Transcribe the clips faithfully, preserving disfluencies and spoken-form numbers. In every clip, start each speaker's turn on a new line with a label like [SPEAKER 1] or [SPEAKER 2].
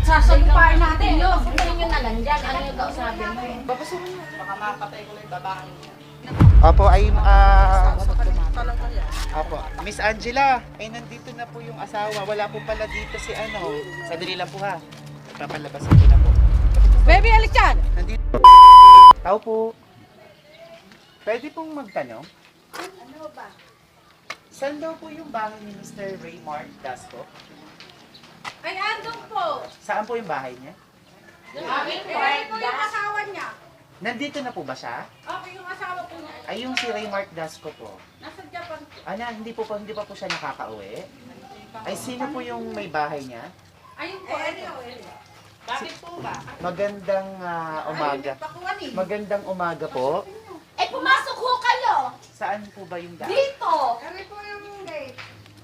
[SPEAKER 1] sasagupain natin yun.
[SPEAKER 2] Papuntahin nyo na lang dyan. Ano yung kausapin mo?
[SPEAKER 1] Babasukin mo.
[SPEAKER 3] Baka makapatay ko lang yung babae niya.
[SPEAKER 4] Opo, ay, ah,
[SPEAKER 3] Talaga yan.
[SPEAKER 4] opo. Miss Angela, ay nandito na po yung asawa. Wala po pala dito si ano. Sadali lang po ha. Papalabasin ko na po.
[SPEAKER 1] Baby, alik dyan!
[SPEAKER 4] Nandito. Tao po. Pwede pong magtanong?
[SPEAKER 2] Ano ba?
[SPEAKER 4] Saan daw po yung bahay ni Mister Raymart Dasco?
[SPEAKER 1] Ay, andun po.
[SPEAKER 4] Saan po yung bahay niya?
[SPEAKER 2] Aming
[SPEAKER 1] Eh, po yung asawa niya.
[SPEAKER 4] Nandito na po ba siya?
[SPEAKER 1] Okay, yung asawa po niya.
[SPEAKER 4] Ay, yung si Raymart Dasco po.
[SPEAKER 1] Nasa Japan po.
[SPEAKER 4] Ano, hindi po pa, hindi pa po siya nakakauwi? Ay, sino po yung may bahay niya?
[SPEAKER 1] Ayun po, ito.
[SPEAKER 3] Bakit po ba?
[SPEAKER 4] Magandang ah, umaga.
[SPEAKER 1] Pakuan eh.
[SPEAKER 4] Magandang umaga po.
[SPEAKER 2] Eh, pumasok ho kayo!
[SPEAKER 4] Saan po ba yung daan?
[SPEAKER 2] Dito!
[SPEAKER 1] Kami po yung gate.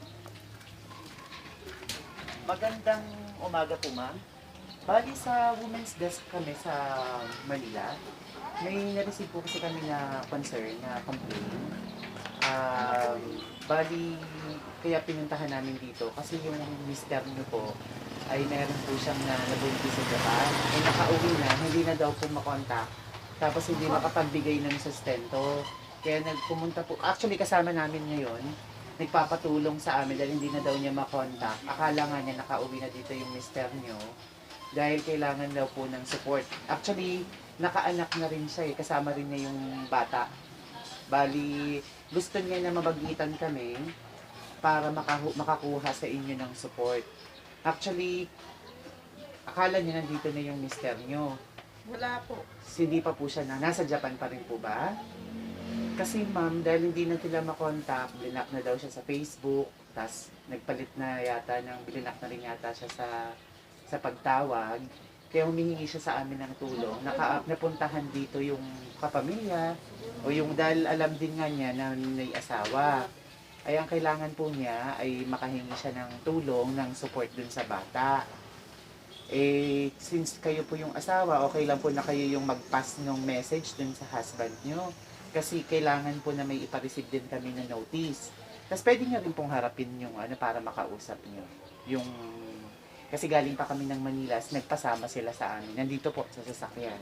[SPEAKER 4] Magandang umaga po, ma'am. Bali sa Women's Desk kami sa Manila. May na-receive po kasi kami na concern, na complaint. Um, bali, kaya pinuntahan namin dito kasi yung mister niyo po ay meron po siyang na nabuntis sa Japan. Ay nakauwi na, hindi na daw po makontak. Tapos hindi makapagbigay ng sustento. Kaya nagpumunta po, actually kasama namin ngayon, nagpapatulong sa amin dahil hindi na daw niya makontak. Akala nga niya nakauwi na dito yung mister niyo dahil kailangan daw po ng support. Actually, nakaanak na rin siya eh, kasama rin niya yung bata. Bali, gusto niya na mabagitan kami para makahu- makakuha sa inyo ng support. Actually, akala niya nandito na yung mister niyo.
[SPEAKER 3] Wala po.
[SPEAKER 4] Hindi pa po siya na, nasa Japan pa rin po ba? Kasi ma'am, dahil hindi na sila makontak, blinak na daw siya sa Facebook, tas nagpalit na yata ng, blinak na rin yata siya sa sa pagtawag. Kaya humihingi siya sa amin ng tulong. Naka, napuntahan dito yung kapamilya, o yung dahil alam din nga niya na may asawa. Ay ang kailangan po niya ay makahingi siya ng tulong, ng support dun sa bata. Eh, since kayo po yung asawa, okay lang po na kayo yung mag-pass ng message dun sa husband nyo. Kasi kailangan po na may ipareceive din kami na notice. Tapos pwede nyo rin pong harapin yung ano para makausap nyo. Yung, kasi galing pa kami ng Manila, nagpasama sila sa amin. Nandito po sa sasakyan.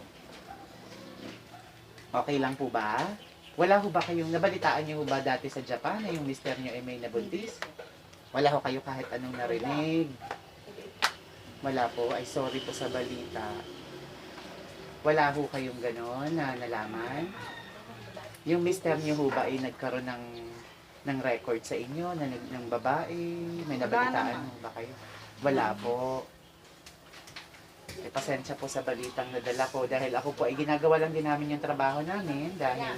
[SPEAKER 4] Okay lang po ba? Wala ho ba kayong, nabalitaan nyo ho ba dati sa Japan na yung mister nyo ay may nabuntis? Wala ho kayo kahit anong narinig? Wala po, ay sorry po sa balita. Wala ho kayong ganon na nalaman? Yung mister niyo ho ba ay nagkaroon ng ng record sa inyo na ng, ng babae? May nabalitaan ho ba kayo? Wala po. Eh, pasensya po sa balitang nadala ko dahil ako po ay ginagawa lang din namin yung trabaho namin dahil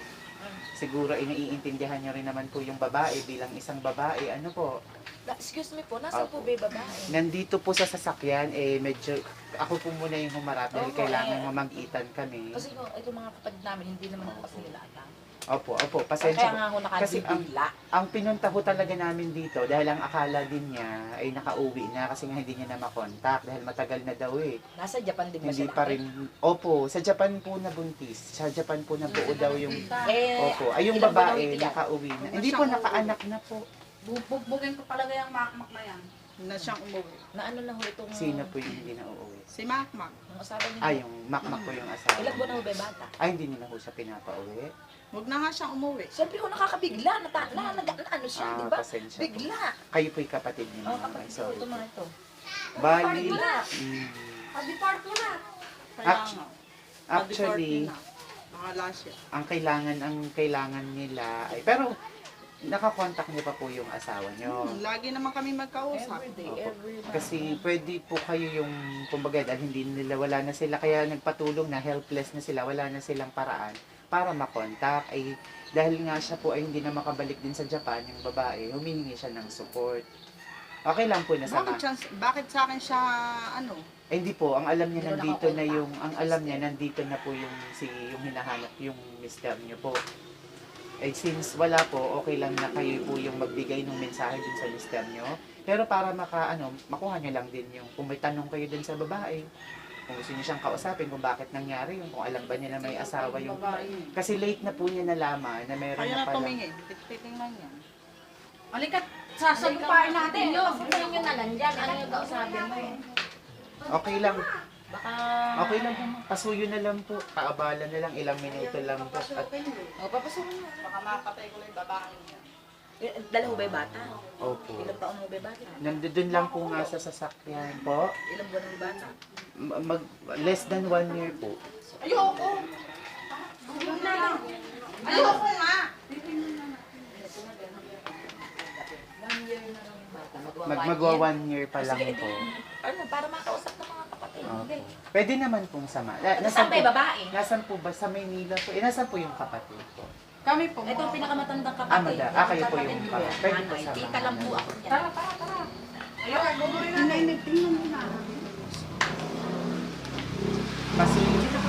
[SPEAKER 4] siguro ay naiintindihan niyo rin naman po yung babae bilang isang babae. Ano po?
[SPEAKER 2] Excuse me po, nasa po ba yung babae?
[SPEAKER 4] Nandito po sa sasakyan, eh medyo, ako po muna yung humarap dahil
[SPEAKER 2] Opo,
[SPEAKER 4] kailangan
[SPEAKER 2] eh.
[SPEAKER 4] mamag-itan kami.
[SPEAKER 2] Kasi kung ito mga kapatid namin, hindi naman po kasi nila alam.
[SPEAKER 4] Opo, opo,
[SPEAKER 2] Kaya
[SPEAKER 4] pasensya
[SPEAKER 2] nga
[SPEAKER 4] po.
[SPEAKER 2] ako
[SPEAKER 4] Kasi ang,
[SPEAKER 2] nakadibigla.
[SPEAKER 4] ang pinunta ko talaga namin dito dahil ang akala din niya ay nakauwi na kasi nga hindi niya na makontak dahil matagal na daw eh.
[SPEAKER 2] Nasa Japan din ba
[SPEAKER 4] Hindi
[SPEAKER 2] siya
[SPEAKER 4] pa
[SPEAKER 2] laki?
[SPEAKER 4] rin, opo, sa Japan po nabuntis. Sa Japan po nabuo daw yung,
[SPEAKER 2] Eh,
[SPEAKER 4] opo, ay yung
[SPEAKER 2] ilang buwan
[SPEAKER 4] babae
[SPEAKER 2] ang tiyan?
[SPEAKER 4] nakauwi na. Hindi po, nakaanak na po.
[SPEAKER 1] Bugbugin ko talaga yung makmak na yan.
[SPEAKER 3] Na siyang umuwi.
[SPEAKER 2] Na ano na ho itong...
[SPEAKER 4] Sino po yung hindi na uuwi?
[SPEAKER 3] Si Makmak.
[SPEAKER 2] Yung asawa niya.
[SPEAKER 4] Ay, yung makmak po yung asawa.
[SPEAKER 2] Ilang buwan na ho ba yung bata?
[SPEAKER 4] Ay, hindi niyo na po siya pinapauwi.
[SPEAKER 3] Huwag na nga siyang umuwi.
[SPEAKER 2] Siyempre ho nakakabigla, nata, na, na, na, ano siya,
[SPEAKER 4] Ah,
[SPEAKER 2] di ba?
[SPEAKER 4] pasensya po.
[SPEAKER 2] Bigla.
[SPEAKER 4] Kayo po'y kapatid niyo.
[SPEAKER 2] Oh,
[SPEAKER 4] naman.
[SPEAKER 2] kapatid
[SPEAKER 4] Ay,
[SPEAKER 2] ko
[SPEAKER 4] sorry
[SPEAKER 2] ito
[SPEAKER 4] po.
[SPEAKER 2] mga ito.
[SPEAKER 4] Bali,
[SPEAKER 1] Wala.
[SPEAKER 4] mm,
[SPEAKER 1] Pag-depart mo na.
[SPEAKER 3] Kaya
[SPEAKER 4] Actu-
[SPEAKER 3] nga.
[SPEAKER 4] actually,
[SPEAKER 3] na. Nakala siya.
[SPEAKER 4] ang kailangan, ang kailangan nila ay, pero, nakakontak niyo pa po yung asawa niyo.
[SPEAKER 3] Hmm, lagi naman kami magkausap.
[SPEAKER 2] Every day,
[SPEAKER 4] Opo.
[SPEAKER 2] every month.
[SPEAKER 4] Kasi pwede po kayo yung, kumbaga, dahil hindi nila, wala na sila, kaya nagpatulong na, helpless na sila, wala na silang paraan para makontak. Ay, dahil nga siya po ay hindi na makabalik din sa Japan, yung babae, humihingi siya ng support. Okay lang po na sama.
[SPEAKER 3] Bakit, siya, bakit sa akin siya, ano?
[SPEAKER 4] Eh, hindi po, ang alam niya
[SPEAKER 2] Hindi mo
[SPEAKER 4] nandito na
[SPEAKER 2] nakakontak.
[SPEAKER 4] yung, ang alam niya nandito na po yung, si, yung hinahanap, yung mister niyo po. Eh, since wala po, okay lang na kayo po yung magbigay ng mensahe dun sa mister nyo. Pero para maka, ano, makuha nyo lang din yung, kung may tanong kayo dun sa babae, kung gusto nyo siyang kausapin, kung bakit nangyari yung, kung alam ba niya na may asawa yung, kasi late na po niya nalaman na meron
[SPEAKER 3] Kaya
[SPEAKER 4] na
[SPEAKER 3] na
[SPEAKER 4] pala.
[SPEAKER 3] tumingin. Titingnan niya.
[SPEAKER 1] Alikat, sasagupain natin yun.
[SPEAKER 2] Papuntahin nyo na lang dyan. Ano yung kausapin mo?
[SPEAKER 4] Okay lang.
[SPEAKER 2] Baka...
[SPEAKER 4] Okay lang po. Pasuyo na lang po. Paabala na lang. Ilang minuto lang po. At,
[SPEAKER 2] O, papasukin mo.
[SPEAKER 3] Baka makapatay ko lang yung babae niya.
[SPEAKER 2] Eh, Dala ho ba yung bata?
[SPEAKER 4] opo.
[SPEAKER 2] Ilang taon ho ba yung bata?
[SPEAKER 4] Nandun lang po nga sa sasakyan po.
[SPEAKER 2] Ilang buwan ho yung bata?
[SPEAKER 4] Ma- Mag, less than one year po.
[SPEAKER 3] Ayoko! Ayoko nga!
[SPEAKER 4] Mag magwa one year pa lang
[SPEAKER 2] Sige,
[SPEAKER 4] po.
[SPEAKER 2] Ano, para makausap ng mga kapatid. Hindi.
[SPEAKER 4] Opo. Pwede naman pong sama. Na,
[SPEAKER 2] Saan ba yung babae?
[SPEAKER 4] Nasaan po ba? Sa Maynila po. Eh, nasaan po yung kapatid ko?
[SPEAKER 3] Kami po.
[SPEAKER 2] Ito ang pinakamatandang
[SPEAKER 4] Ah,
[SPEAKER 2] kapatid.
[SPEAKER 4] mada. Ah, kayo po yung
[SPEAKER 2] Kapatid
[SPEAKER 4] kapatid.
[SPEAKER 2] ko.
[SPEAKER 4] Pwede po
[SPEAKER 2] Nanay.
[SPEAKER 4] sama.
[SPEAKER 2] Tita lang po ako niyan.
[SPEAKER 1] Tara, tara, tara.
[SPEAKER 3] Ayoko, guguloy na na. Tingnan mo na.
[SPEAKER 4] Kasi,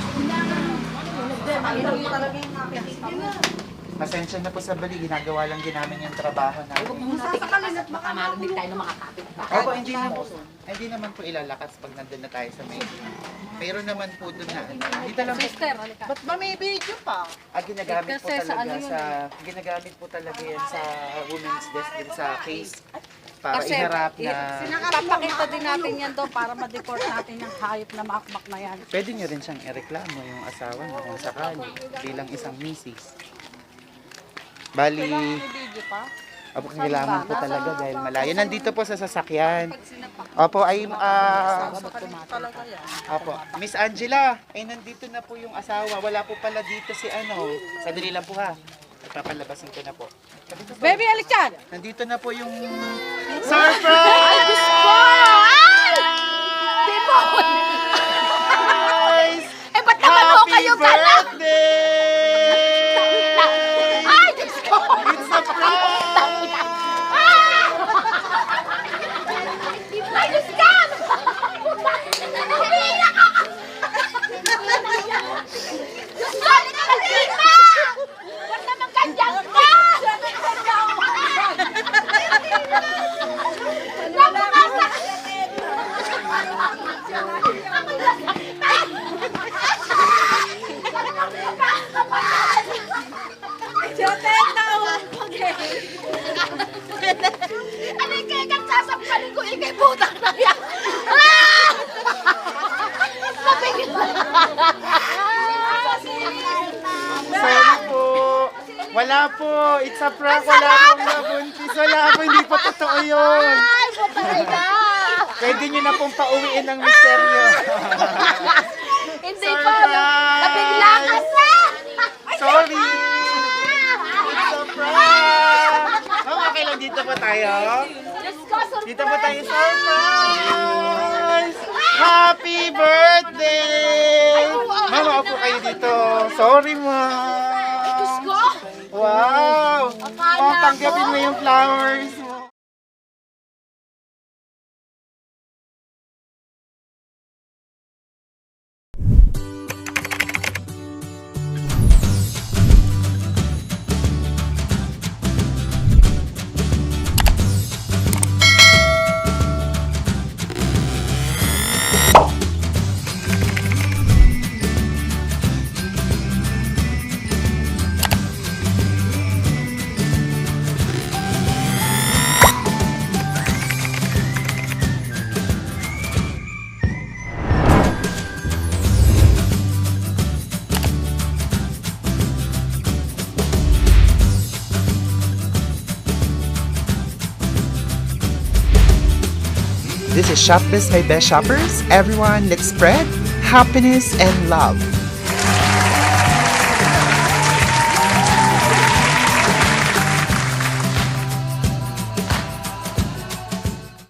[SPEAKER 3] Ayoko talaga yung nakikita mo.
[SPEAKER 4] pasensya na po sa bali. Ginagawa lang din namin yung trabaho
[SPEAKER 2] Huwag
[SPEAKER 4] namin.
[SPEAKER 2] mo natin itakas. Baka marinig tayo ng mga kapit.
[SPEAKER 4] Opo, hindi naman, hindi naman po ilalakas pag nandun na tayo sa Maynila. Pero naman po doon na, dito lang po,
[SPEAKER 1] Sister, halika.
[SPEAKER 3] Ba't ba may video pa?
[SPEAKER 4] ah, ginagamit po
[SPEAKER 1] Kasi sa
[SPEAKER 4] talaga
[SPEAKER 1] ano yun
[SPEAKER 4] sa, ginagamit po talaga yan sa women's desk din sa case para
[SPEAKER 1] Kasi,
[SPEAKER 4] iharap
[SPEAKER 1] i-
[SPEAKER 4] na,
[SPEAKER 1] Papakita din natin yan doon para ma-deport natin yung hayop na makmak na yan.
[SPEAKER 4] pwede nyo rin siyang ireklamo yung asawa niya kung sakali bilang isang misis. Bali,
[SPEAKER 3] May video pa?
[SPEAKER 4] opo, kailangan po talaga dahil malayo. Nandito po sa sasakyan. Opo, ay, ah,
[SPEAKER 3] Talaga yan.
[SPEAKER 4] Opo. Miss Angela, ay nandito na po yung asawa. Wala po pala dito si ano. Sandali lang po ha. Papalabasin ko na po.
[SPEAKER 1] Baby, halik dyan!
[SPEAKER 4] Nandito na po yung surprise! Surprise!
[SPEAKER 2] Eh, ba't naman ho
[SPEAKER 4] Happy
[SPEAKER 2] kayo gala?
[SPEAKER 4] birthday!
[SPEAKER 2] Ay, Diyos ko!
[SPEAKER 4] It's a prank!
[SPEAKER 2] Ay, Diyos ka! Hindi na ka! Diyos ko, hindi na! Ba't naman ganyan ka? Ano yung kaya kang sasampalin ko? Ikay putang na yan! Ah! Nabigla!
[SPEAKER 4] Sorry po. Wala po. It's a prank. Wala pong nabuntis. Wala po. Hindi po totoo yun.
[SPEAKER 2] Ay, patay na!
[SPEAKER 4] Pwede nyo na pong pauwiin ng misteryo.
[SPEAKER 2] Hindi pa! Nabigla ka na!
[SPEAKER 4] Sorry! It's a prank! Oh, okay lang. Dito po tayo.
[SPEAKER 2] Diyos ko, surprise!
[SPEAKER 4] Dito po tayo. Surprise! Happy birthday! Mama, upo kayo dito. Sorry, ma.
[SPEAKER 2] Diyos ko!
[SPEAKER 4] Wow!
[SPEAKER 2] Akala
[SPEAKER 4] Oh, tanggapin
[SPEAKER 2] ko.
[SPEAKER 4] mo yung flowers mo. This is Shop Biz by Best Shoppers. Everyone, let's spread happiness and love.